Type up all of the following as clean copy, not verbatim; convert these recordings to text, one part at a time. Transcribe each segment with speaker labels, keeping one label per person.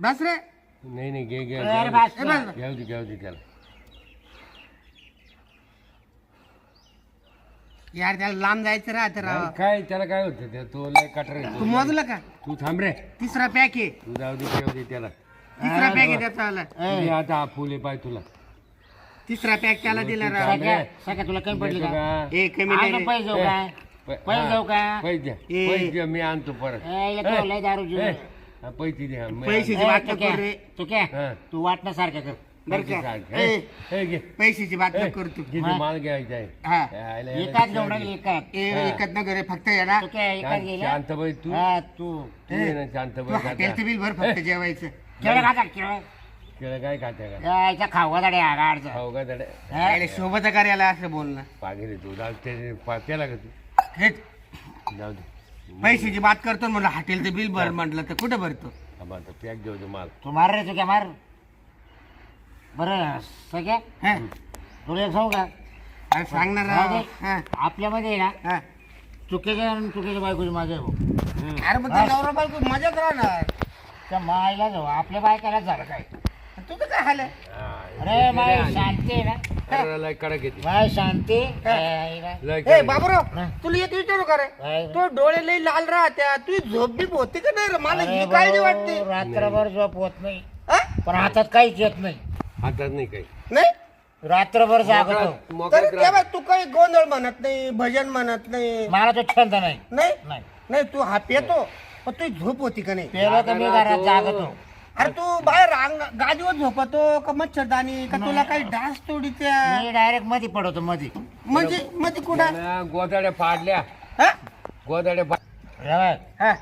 Speaker 1: बस रे.
Speaker 2: नाही नाही घे घे
Speaker 3: अरे बस
Speaker 1: ए, बस.
Speaker 2: घेऊ दे त्याला.
Speaker 1: यार त्याला लांब जायचं राहत राव.
Speaker 2: नाही, काय त्याला काय होतं ते तो लय कटर आहे
Speaker 1: तू
Speaker 2: तो.
Speaker 1: मोजलं का?
Speaker 2: तू थांब रे.
Speaker 1: तिसरा पॅक आहे.
Speaker 2: तू जाऊ दे घेऊ दे त्याला.
Speaker 1: तिसरा पॅक आहे त्याचा वाला.
Speaker 2: दे आता हा फुले पाय तुला.
Speaker 1: तिसरा पॅक त्याला दिला राव.
Speaker 3: सगळ्या सगळ्या तुला कमी पडली
Speaker 2: देतो
Speaker 3: का
Speaker 2: का?
Speaker 1: ए कमी नाही
Speaker 3: अजून
Speaker 1: रे.
Speaker 3: पैसे देऊ काय पैसे देऊ का
Speaker 2: पैसे द्या
Speaker 1: ए.
Speaker 2: पैसे द्या मी आणतो परत.
Speaker 3: यायला तो लय दारू
Speaker 2: ए, हा, पैसे द्या मी
Speaker 1: पैसे
Speaker 2: आणतो.
Speaker 1: बात नको करू रे.
Speaker 3: तू काय
Speaker 2: हा.
Speaker 3: तू वाटण्यासारखं कर
Speaker 1: बरं
Speaker 2: पैसे
Speaker 1: का?
Speaker 2: सांग.
Speaker 1: ए,
Speaker 2: ए, घे.
Speaker 1: पैशाची बात
Speaker 2: ए,
Speaker 1: नको करू तू.
Speaker 2: घे ते माल घ्यायचा आहे.
Speaker 1: हा.
Speaker 2: यायला-
Speaker 3: एकाच
Speaker 2: यायला-
Speaker 3: घेऊन राहिली एकाच
Speaker 1: ए एकत नको रे फक्त येणार.
Speaker 3: तू काय एकाच गेला
Speaker 2: शांतबाई तू
Speaker 3: हा तू
Speaker 2: तू ये ना
Speaker 1: तू
Speaker 2: शांतबाई
Speaker 1: हॉटेलचं बिल भर फक्त जेवायचं.
Speaker 3: केळं खाता केळं
Speaker 2: केळं काय खाते का
Speaker 3: यायचा खाऊ गाडी आगाडचा
Speaker 2: खाऊ का तडे
Speaker 1: यायला शोभत कार्याला असं बोलणं.
Speaker 2: पागेले तू जाऊ ते त्याला का तू
Speaker 1: हेच
Speaker 2: जाऊ दे
Speaker 1: पैशाची बात करतो म्हणलं हॉटेलचं बिल भर म्हटलं तर कुठं भरतो?
Speaker 2: आम्हा तर पॅक घेऊ दे माल.
Speaker 3: तू मार रे तू काय मार बरं सगळ्या
Speaker 1: हा?
Speaker 3: तुला एक सांगू का
Speaker 1: अरे सांगणार
Speaker 3: जाऊ
Speaker 1: राव.
Speaker 3: दे.
Speaker 1: हा,
Speaker 3: आपल्यामध्ये आहे ना
Speaker 1: हा.
Speaker 3: चुकीच्या आणि चुकीच्या बायकोची माझ्या आहे भाऊ.
Speaker 1: अरे मग ते नवरा बायको मजाच राहणार.
Speaker 3: त्या मायला जाऊ आपल्या बायकाला झालं काय
Speaker 1: तुझं काय हाल आहे?
Speaker 3: अरे माय शांती आहे ना
Speaker 2: अरे लय कडक येते
Speaker 3: माय शांती
Speaker 2: लय
Speaker 1: ए
Speaker 2: कडक
Speaker 1: बाबूराव
Speaker 3: हा.
Speaker 1: तुला एक विचारू का रे?
Speaker 3: काय?
Speaker 1: तो डोळे लई लाल राहत्या तुझी झोप बीप होते का नाही रे? मला
Speaker 3: अरे
Speaker 1: ही काळजी
Speaker 3: भाऊ,
Speaker 1: वाटते.
Speaker 3: रात्रभर झोप होत नाही
Speaker 1: हा?
Speaker 3: पण हातात काहीच येत नाही
Speaker 2: हातात नाही काही
Speaker 1: नाही
Speaker 3: रात्रभर जागतो
Speaker 1: तरी
Speaker 2: मोकळ्यात
Speaker 1: तेव्हा
Speaker 2: राहा.
Speaker 1: तू काही गोंधळ म्हणत नाही भजन म्हणत नाही.
Speaker 3: मला तो छंद नाही
Speaker 1: नाही
Speaker 3: नाही
Speaker 1: नाही तू हा पेतो पण तुझी झोप होती का नाही?
Speaker 3: पेलो तर मी घरात जागतो
Speaker 1: अरे तू बाहेर गादीवर झोपतो का मच्छरदानी का तुला काही डास तोडीच्या
Speaker 3: मी डायरेक्ट मध्ये पडवतो मध्ये
Speaker 1: म्हणजे मध्ये कुठं?
Speaker 2: त्यानं गोदाड्या पाडल्या
Speaker 1: हा?
Speaker 2: गोदाड्या
Speaker 3: हे बघ,
Speaker 1: हा,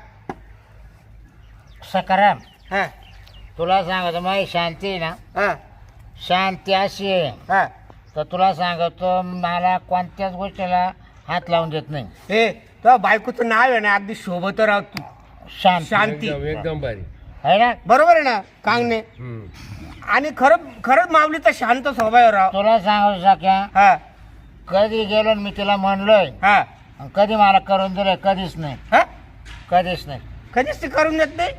Speaker 3: सकाराम
Speaker 1: हा,
Speaker 3: तुला सांगतो माही शांती आहे ना
Speaker 1: हा,
Speaker 3: शांती अशी आहे
Speaker 1: हा.
Speaker 3: तर तुला सांगतो मला कोणत्याच गोष्टीला हात लावून देत नाही
Speaker 1: ए तुझ्या बायकोचं नाव आहे ना अगदी शोभत राव तू.
Speaker 3: शांत
Speaker 1: शांती
Speaker 2: एकदम भारी.
Speaker 3: आहे ना
Speaker 1: बरोबर आहे ना कांगणे?
Speaker 2: हम्म.
Speaker 1: आणि खरंच माऊलीचा शांत स्वभाव आहे राव.
Speaker 3: तुला सांगू सख्या
Speaker 1: हा,
Speaker 3: कधी गेलो न मी तिला म्हणलोय
Speaker 1: हा,
Speaker 3: आणि कधी मला करून दिलंय कधीच नाही
Speaker 1: हा?
Speaker 3: कधीच नाही
Speaker 1: कधीच ते करून देत नाही.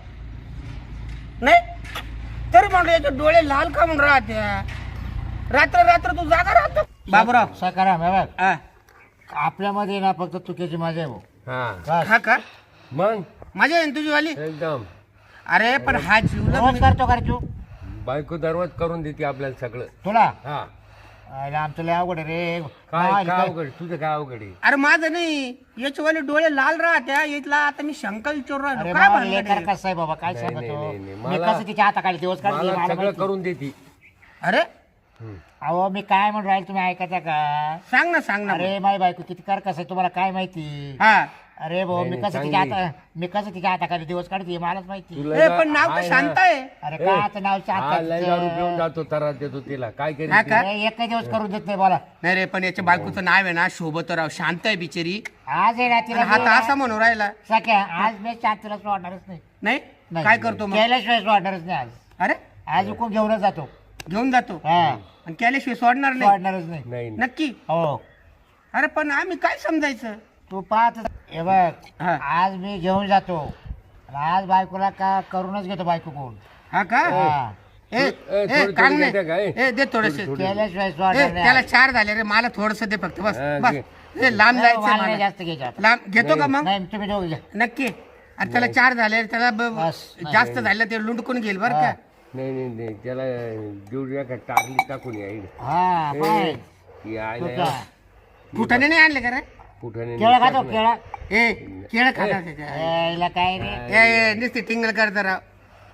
Speaker 1: नाही तरी म्हणलं याचे डोळे लाल का म्हणून राहत्या रात्र रात्र तू जागा राहतो बाबूराव.
Speaker 3: सकाराम हे बघ
Speaker 1: हा,
Speaker 3: आपल्यामध्ये ना फक्त चुकीची मजा आहे भाऊ
Speaker 2: हा
Speaker 3: बस.
Speaker 1: हा का
Speaker 2: मग
Speaker 1: मजा आहे ना तुझी वाली?
Speaker 2: एकदम
Speaker 1: अरे पण हा जीवलग
Speaker 3: रोज करतो का रे तू
Speaker 2: बायको दरवाज करून देते आपल्याला सगळं.
Speaker 3: तुला
Speaker 2: हा
Speaker 3: अरे आमचं लय अवघड आहे रे
Speaker 2: काय
Speaker 3: काय-
Speaker 2: काय अवघड तुझं काय अवघड आहे?
Speaker 1: अरे माझं नाही याचे वाले डोळे लाल राहत्या यातला आता मी शंका विचारू
Speaker 3: अरे
Speaker 1: राहिलो काय
Speaker 3: बाबा,
Speaker 1: भानगड
Speaker 3: लेकर
Speaker 1: आहे?
Speaker 3: कसं आहे बाबा काय
Speaker 2: नाही,
Speaker 3: सांगतो
Speaker 2: नाही, नाही,
Speaker 3: मी
Speaker 2: मला-
Speaker 3: कसं तिच्या हाताखाली दिवस काढते
Speaker 2: मला
Speaker 3: मला
Speaker 2: सगळं
Speaker 3: माहिती.
Speaker 2: करून देते.
Speaker 1: अरे
Speaker 2: हम्म.
Speaker 3: अहो मी काय म्हणून राहील तुम्ही ऐकायचा का
Speaker 1: सांग ना
Speaker 3: अरे माय बायको किती कर कसं आहे तुम्हाला काय माहिती
Speaker 1: हा.
Speaker 3: अरे भाऊ
Speaker 2: नाही,
Speaker 3: मी
Speaker 2: नाही,
Speaker 3: कसं तिच्या
Speaker 2: चांगली.
Speaker 3: मी कसं तिच्या हाताखाली दिवस काढते मलाच माहिती
Speaker 2: तुला
Speaker 1: ए
Speaker 2: जा-
Speaker 1: पण नाव तर
Speaker 2: आहे
Speaker 1: शांत
Speaker 2: ना.
Speaker 1: आहे.
Speaker 3: अरे
Speaker 2: ए,
Speaker 3: काय आता नाव
Speaker 2: हा लय दारू पिऊन जातो तरात देतो तिला काय
Speaker 1: हा
Speaker 2: करेल
Speaker 1: का?
Speaker 3: एकही दिवस करून देत नाही बोला
Speaker 1: नाही रे पण याच्या बायकोचं नाव आहे ना शोभतराव शांत आहे बिचारी.
Speaker 3: आज आहे ना
Speaker 1: आणि
Speaker 3: तिला
Speaker 1: हा तर असा म्हणून राहिला
Speaker 3: सख्या आज मी शांतीला सोडणारच नाही
Speaker 1: नाही
Speaker 3: नाही.
Speaker 1: काय करतो मग?
Speaker 3: केल्याशिवाय सोडणारच नाही आज
Speaker 1: अरे
Speaker 3: आज हुकूम घेऊनच जातो
Speaker 1: घेऊन जातो
Speaker 3: हा
Speaker 1: आणि केल्याशिवाय सोडणार नाही
Speaker 3: सोडणारच नाही
Speaker 2: नाही
Speaker 1: नक्की?
Speaker 3: हो
Speaker 1: अरे पण आम्ही काय समजायचं?
Speaker 3: तू पाहत हे बघ
Speaker 1: हा.
Speaker 3: आज मी घेऊन जातो आणि आज बायकोला का करूनच घेतो बायको कोण
Speaker 1: हा का?
Speaker 3: हा.
Speaker 1: ए
Speaker 2: थोडी-
Speaker 1: ए
Speaker 2: थोडी
Speaker 1: कांगणे
Speaker 2: देते का?
Speaker 1: ए दे थोडेसे.
Speaker 3: केल्याशिवाय
Speaker 1: ए
Speaker 3: सोडणार
Speaker 1: त्याला
Speaker 3: नाही
Speaker 1: 4 झाले रे मला थोडस दे फक्त बस
Speaker 2: हा,
Speaker 1: बस
Speaker 2: घे.
Speaker 1: ए, लांब
Speaker 3: मला
Speaker 1: जायचं
Speaker 3: नाही
Speaker 1: मला.
Speaker 3: जास्त घ्यायचं आता.
Speaker 1: लांब घेतो का मग?
Speaker 3: नाही तुम्ही दोघं घ्या
Speaker 1: नक्की. अरे त्याला 4 झाले त्याला
Speaker 3: बस.
Speaker 1: जास्त झालं ते लुंडकून घेईल बरं का?
Speaker 2: नाही नाही नाही त्याला देऊया का टाकली टाकून यायला
Speaker 3: हा पाय
Speaker 2: यायला
Speaker 1: फुटाने नाही आणले का रे?
Speaker 2: कुठं
Speaker 3: केळं खातो केळं
Speaker 1: ए केळं खातात त्याच्या.
Speaker 3: यायला काय रे
Speaker 1: ए नुसती टिंगल करता राव.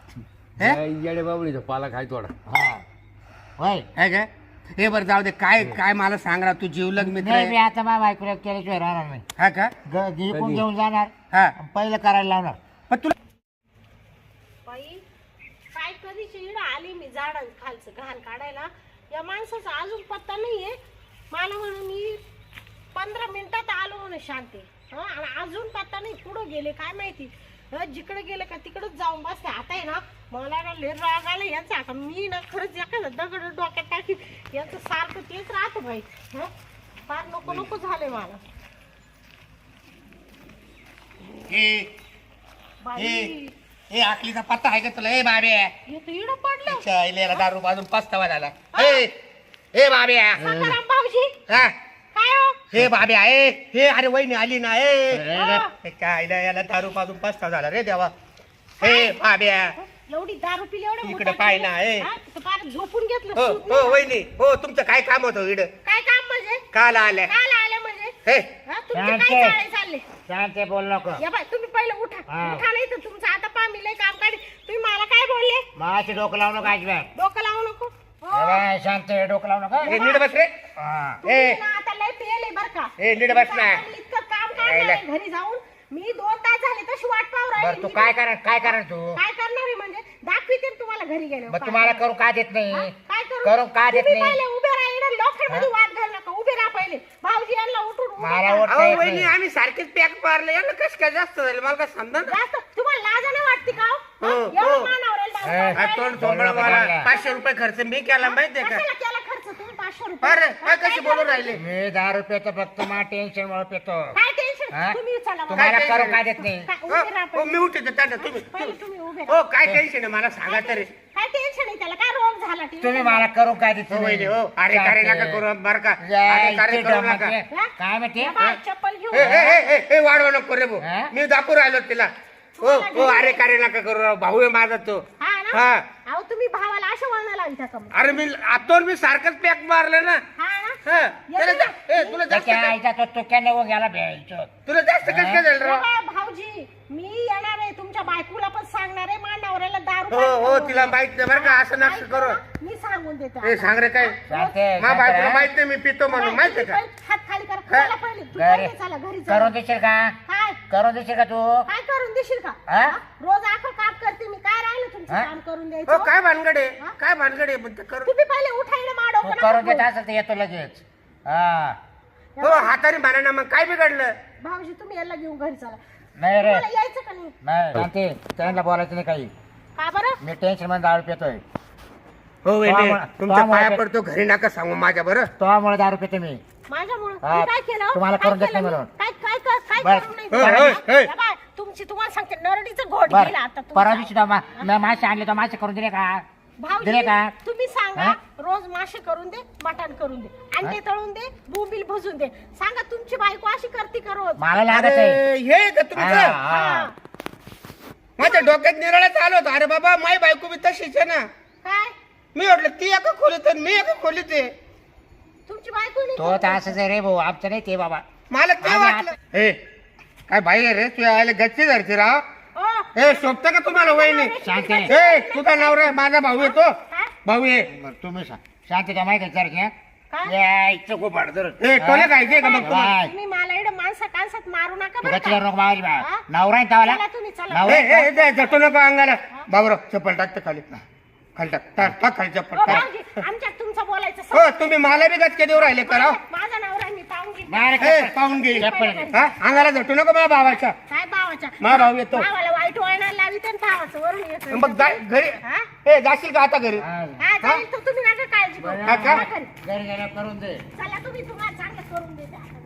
Speaker 2: येडे बाबळीचा पाला खाय थोडा.
Speaker 3: हा होय
Speaker 1: आहे का? हे बरं जाऊ दे काय काय मला सांग राव तू जीवलग मित्र
Speaker 3: नाही मी
Speaker 1: आहे.
Speaker 3: आता माझ्या बायकोला केल्याशिवाय राहणार नाही
Speaker 1: हा का?
Speaker 3: विकून घेऊन जाणार
Speaker 1: हा
Speaker 3: आणि पहिलं करायला लावणार
Speaker 1: पण तुला
Speaker 4: बाई काय कधीची इड आली मी झाडां खालचं घाण काढायला या माणसाचा अजून पत्ता नाहीये मला म्हणून मी 15 मिनिटात आलो म्हणून शांती आणि अजून पत्ता नाही कुठं गेले काय माहिती जिकडे गेले का तिकडच जाऊन बसते आता आहे ना मला ना लय राग आला यांचा आता मी ना खरंच एखादा दगड डोक्यात टाकी यांचं सारखं तेच राहतं बाई फार नको नको झाले मला
Speaker 1: ए
Speaker 4: बाई
Speaker 1: हे आखलीचा पत्ता आहे का तुला? ए बाबे
Speaker 4: इथं इडं पडलं.
Speaker 1: चायलेला दारू पाजून पस्तावा झाला. ए बाब्या
Speaker 4: सखाराम भाऊजी
Speaker 1: हा
Speaker 4: काय हो?
Speaker 1: हे बाबे आहे हे. अरे वहिनी आली ना ए
Speaker 4: हा.
Speaker 1: काय याला दारू पाजून पस्तावा झाला रे देवा. हे बाब्या
Speaker 4: एवढी दारू पिली एवढं
Speaker 1: इकडे
Speaker 4: मोठं
Speaker 1: पाय
Speaker 4: केलं.
Speaker 1: ना, ए.
Speaker 4: हा, तिथं फार झोपून घेतलं
Speaker 1: हो
Speaker 4: सूत
Speaker 1: हो
Speaker 4: नाही.
Speaker 1: वहिनी हो तुमचं काय काम होतं इड
Speaker 4: काय काम म्हणजे
Speaker 1: काल आल्या
Speaker 4: काल आले म्हणजे
Speaker 1: हे
Speaker 4: हा, तुमचे
Speaker 3: शांत
Speaker 4: काय
Speaker 3: आहे.
Speaker 4: चाळे चालले?
Speaker 3: शांत बोल नको.
Speaker 4: या बाय तुम्ही पहिले उठा.
Speaker 3: हा.
Speaker 4: उठा नाही तर तुमचं आता पा मी लय काम काढी. तुम्ही मला काय बोलले?
Speaker 3: माझे डोकं लावू नको अजिबात.
Speaker 4: डोकं लावू नको. हो.
Speaker 3: ए बाय, शांत आहे, डोकं लावू नको.
Speaker 1: हे नीट बस रे.
Speaker 3: हा.
Speaker 4: तुम्ही ना आता लय पेले बर का.
Speaker 1: ए, नीट बस ना.
Speaker 4: आता मी इतकं काम काढणार आहे घरी जाऊन. मी 2 तास झाले तशी वाट पाहू
Speaker 3: बरं
Speaker 4: राहिली.
Speaker 3: तू
Speaker 4: मी
Speaker 3: काय करणार तू?
Speaker 4: काय करणार आहे म्हणजे दाखविते ना तुम्हाला घरी गेले.
Speaker 3: मग तुम्हाला करू का देत नाही?
Speaker 4: काय
Speaker 3: करू का देत
Speaker 4: तुम्ही
Speaker 3: नाही?
Speaker 4: पहिले उभे राहा. इकडे लोखंडमध्ये वाद घाल नका. उभे राहा पहिले. भाऊजी यांना उठून उभे
Speaker 3: मला
Speaker 4: करा.
Speaker 3: उठ-
Speaker 1: अहो
Speaker 3: येत
Speaker 1: वहिनी
Speaker 3: नाही.
Speaker 1: आम्ही सारखेच पॅक मारले यांना कसं काय जास्त झालं मला काय समजा ना.
Speaker 4: जास्त तुम्हाला लाज नाही वाटते का हो?
Speaker 1: हो,
Speaker 4: एवढं
Speaker 1: हो.
Speaker 4: मानावरेल दारू
Speaker 3: ए,
Speaker 4: पाजून
Speaker 1: तोंड
Speaker 4: राहिले.
Speaker 1: सोडलं मला
Speaker 3: चांगला.
Speaker 1: 500 रुपये खर्च मी केला माहितीये का?
Speaker 4: कशाला केला खर्च तुम्ही 500 रुपये?
Speaker 1: अरे
Speaker 4: हा,
Speaker 1: काय कशी बोलून राहिले?
Speaker 3: मी 10 पेतो फक्त मा टेन्शन मुळे पेतो.
Speaker 4: काय टेन्शन?
Speaker 3: हा?
Speaker 4: तुम्ही चला बघा.
Speaker 3: तुम्हाला
Speaker 1: काय
Speaker 3: करू
Speaker 1: टेन्शन?
Speaker 3: का देत नाही?
Speaker 4: काय,
Speaker 1: हो,
Speaker 4: उभे राहा
Speaker 1: हो,
Speaker 4: पहिले.
Speaker 1: मी उठते त्यांना तुम्ही
Speaker 4: पहिले तुम्ही उभे राहा.
Speaker 1: हो काय टेन्शन आहे मला सांगा तरी.
Speaker 4: काय टेन्शन आहे त्याला? काय रोग झाला
Speaker 3: तुम्ही मला करू का देत
Speaker 1: हो वहिनी
Speaker 3: नाही?
Speaker 1: हो अरे कार्य नका करू बरं का.
Speaker 3: या,
Speaker 1: अरे कार्य
Speaker 3: इथे
Speaker 1: करू
Speaker 3: डोंबात
Speaker 1: नका.
Speaker 3: ये. काय म्हणते?
Speaker 4: या बाय, चप्पल घेऊन
Speaker 1: ए, ए, ए, ए, ए, वाढवा नको रे भाऊ.
Speaker 3: हा?
Speaker 1: मी दाखवू राहिलो तिला. हो हो अरे कार्य नका करू राव. भाऊ आहे माझा तो.
Speaker 4: हा ना?
Speaker 1: हा
Speaker 4: अहो तुम्ही भावाला असं वळण लाविता का मग?
Speaker 1: अरे मी आतोर मी सारखंच पॅक मारलं ना.
Speaker 4: हा ना?
Speaker 1: हा.
Speaker 4: येतो
Speaker 1: त्याला
Speaker 4: ना?
Speaker 1: जा- ए, तुला जास्त
Speaker 3: त्याच्या
Speaker 1: काय-
Speaker 3: आईचा तो तुक्या नेऊन गेला भ्यायचं.
Speaker 1: तुला जास्त कसं काय झालं
Speaker 4: या
Speaker 1: राव?
Speaker 4: बाय, भाऊजी मी येणार आहे तुमच्या बायकोला पण सांगणार आहे मा नवऱ्याला दारू
Speaker 1: हो
Speaker 4: पाजून
Speaker 1: हो
Speaker 4: आणू.
Speaker 1: तिला माहित नाही बरं का असं नका
Speaker 4: ऐक
Speaker 1: करू.
Speaker 4: ना, मी सांगून देते
Speaker 1: ए
Speaker 4: आता.
Speaker 1: सांग रे काय
Speaker 3: शांत आहे,
Speaker 1: मा
Speaker 3: शांत
Speaker 1: बायकोला
Speaker 3: राहा.
Speaker 1: माहित नाही मी पितो म्हणून माहित आहे का?
Speaker 4: हात खाली कर.
Speaker 1: हा?
Speaker 4: चला पहिले तू
Speaker 3: घरी
Speaker 4: पहिले चला घरी चला.
Speaker 3: करून देशील का?
Speaker 4: काय
Speaker 3: करून देशील का तू?
Speaker 4: काय करून देशील का?
Speaker 3: हा?
Speaker 4: हा? रोज आखं काम करते मी. काय राहिलं तुमचं
Speaker 3: हा?
Speaker 4: काम करून
Speaker 1: हो
Speaker 4: द्यायचं?
Speaker 1: काय भानगड आहे
Speaker 4: हा?
Speaker 1: काय भानगड आहे म्हणते करू.
Speaker 4: तुम्ही पहिले उठायला
Speaker 3: तू
Speaker 4: माडो
Speaker 3: करून देत असेल तर येतो लगेच. हा.
Speaker 1: हो हाताने भाना ना मग काय बिघडलं?
Speaker 4: भाऊजी तुम्ही याला घेऊन घरी चला.
Speaker 3: नाही रे.
Speaker 4: मला यायचं का नाही?
Speaker 3: नाही शांती, त्यांना बोलायचं नाही काही.
Speaker 4: का बरं?
Speaker 3: मी टेन्शन मध्ये दारू पेतोय.
Speaker 1: हो वहिनी
Speaker 3: तो
Speaker 1: तुमच्या
Speaker 3: आम्हाला-
Speaker 1: पाया पडतो घरी नका सांगू माझ्या बरं.
Speaker 3: तोमुळे दारू पेतो मी.
Speaker 4: माझ्यामुळे
Speaker 3: हा,
Speaker 4: मी काय केलं?
Speaker 3: तुम्हाला
Speaker 4: काय
Speaker 3: करून देत
Speaker 4: केलं
Speaker 3: नाही
Speaker 4: मी?
Speaker 3: म्हणून.
Speaker 4: काय
Speaker 3: बरं.
Speaker 4: करून नाही
Speaker 1: होय,
Speaker 4: दिलं?
Speaker 1: होय, होय.
Speaker 4: या बाय, तुम्हाला सांगते नरडीचं घोट
Speaker 3: बर
Speaker 4: गेला आता
Speaker 3: परवा
Speaker 4: तुमचा.
Speaker 3: दिवशी मासे आणले तर मासे करून दिले का?
Speaker 4: भाऊजी
Speaker 3: दिले का?
Speaker 4: तुम्ही सांगा
Speaker 3: हा?
Speaker 4: रोज मासे करून दे, मटण करून दे, अंडे तळून दे, बोंबील भजून दे. सांगा तुमची बायको अशी करते का रोज?
Speaker 3: मला लागत
Speaker 1: अरे
Speaker 3: आहे.
Speaker 1: हे का
Speaker 3: हा,
Speaker 1: तुमचं
Speaker 3: हा.
Speaker 4: हा.
Speaker 1: माझ्या डोक्यात निराळा चालू होता. अरे बाबा माई बायको बी तशीच आहे ना.
Speaker 4: काय
Speaker 1: मी म्हटलं ती एका खोलीत आहे, मी एका खोलीत आहे.
Speaker 4: तुमची बायको नाही
Speaker 3: तो
Speaker 4: करत
Speaker 3: तर
Speaker 4: का?
Speaker 3: असंच आहे रे भाऊ, आमचं नाही ते बाबा.
Speaker 1: मला ते
Speaker 3: आम्ही
Speaker 1: वाटलं हे काय बाई आहे रे तू यायला गच्ची धरते राव.
Speaker 4: ओ,
Speaker 1: हे शोभतं का तुम्हाला वहिनी?
Speaker 3: शांती आहे.
Speaker 1: हे तुझा नवरा आहे, माझा भाऊ येतो
Speaker 4: काय?
Speaker 1: भाऊ आहे.
Speaker 3: बरं, तुम्ही सांग. शांती का माहिती आहे सर
Speaker 4: काय?
Speaker 3: यायचं खूप अडचण.
Speaker 1: हे टोले खायचे का मग तुम्हाला?
Speaker 3: बाय.
Speaker 4: तुम्ही मला इकडे माणसा कानसात मारू नका
Speaker 3: तू
Speaker 4: बरं
Speaker 3: गच्चीवर
Speaker 4: का?
Speaker 3: नको मावली बा.
Speaker 4: हा?
Speaker 3: नवरा आहे तवाला.
Speaker 4: चला तुम्ही, चला.
Speaker 3: नवरा
Speaker 1: हे
Speaker 3: आहे
Speaker 1: हे
Speaker 3: का?
Speaker 1: हे झटू नको अंगाला. बाबरो चप्पल टाकते खाली खाली टाक खाली चप्पल
Speaker 4: ओ,
Speaker 1: टाक.
Speaker 4: भाऊजी, आमच्यात तुमचं बोलायचं
Speaker 1: हो तुम्ही मला बी गचके देऊ राहिले कराव.
Speaker 4: माझा नवरा आहे, मी पाहून घेईन.
Speaker 3: बाहेर
Speaker 1: हे
Speaker 3: चप्पल.
Speaker 1: पाहून घे.
Speaker 3: चप्पल घे.
Speaker 1: हा अंगाला झटू नको माझ्या भावाच्या.
Speaker 4: काय भावाच्या?
Speaker 1: मा भाऊ येतो.
Speaker 4: भावाला वाईट वळणाला लावी तर भावाचं वरून येतं.
Speaker 1: मग घरी
Speaker 4: हा?
Speaker 1: हे जाशील का आता घरी?
Speaker 3: हा.
Speaker 4: हा, जाईल तर तुम्ही नका काळजी करू.
Speaker 3: बरं.
Speaker 1: हा का?
Speaker 4: चला घरी.
Speaker 3: घरी गेल्यावर करून दे.
Speaker 4: चला तुम्ही तुम्हाला चांगलं करून देते आता.